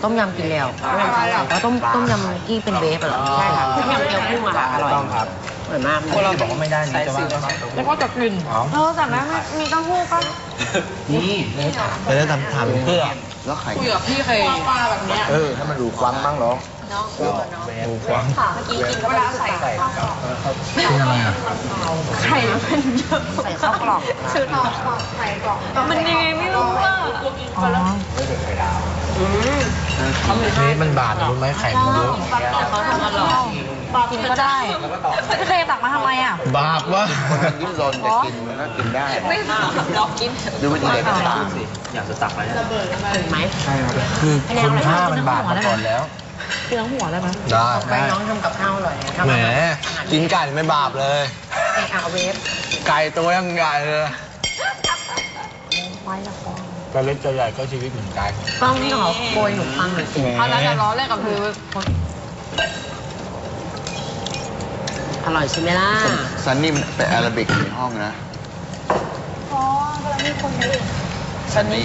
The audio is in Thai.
ต้มยำกินแล้วแล้วต้มยำที่เป็นเบฟเหรอใช่ค่ะต้มยำเกี๊ยวกุ้งอะค่ะอร่อยต้องครับอร่อยมากพวกเราบอกว่าไม่ได้นี่จะว่าแล้วก็จะกินแต่แม่มีเต้าหู้ก็นี่ไปได้ทำเพื่อแล้วไข่คุยกับพี่เคยแบบเนี้ยให้มันดูควังบ้างเนาะดูควังเมื่อกี้กินเวลาใส่กินอะไรอ่ะไข่มันเยอะใส่ข้าวกล่องซื้อไข่กล่องมันยังไงไม่รู้อ่ะนี่มันบาดรู้ไหมไข่มันเยอะเขาทำอร่อยกินก็ได้พี่เคยตักมาทำไมอ่ะบาปวะคนมันดิ้นรนแต่กินมันก็กินได้ไม่บาปลองกินดูวิธีเด็กตาสิอยากจะตักอะไรถึงไหมใช่ครับคือคุณค่ามันบาปมาก่อนแล้วกินทั้งหัวได้ไหมได้ไปน้องทำกับข้าวอร่อยแหมกินไก่ไม่บาปเลยเอาเวฟไก่ตัวยังใหญ่เลยก็เล็กจะใหญ่ก็ชีวิตเหมือนกันต้องที่เขาโกยหนูฟังหน่อยสิเอาแล้วจะล้อเล่นกับคืออร่อยใช่ไหมล่ะซันนี่มันเป็นอาราบิกในห้องนะอ๋อเวลามีคนไปซันนี่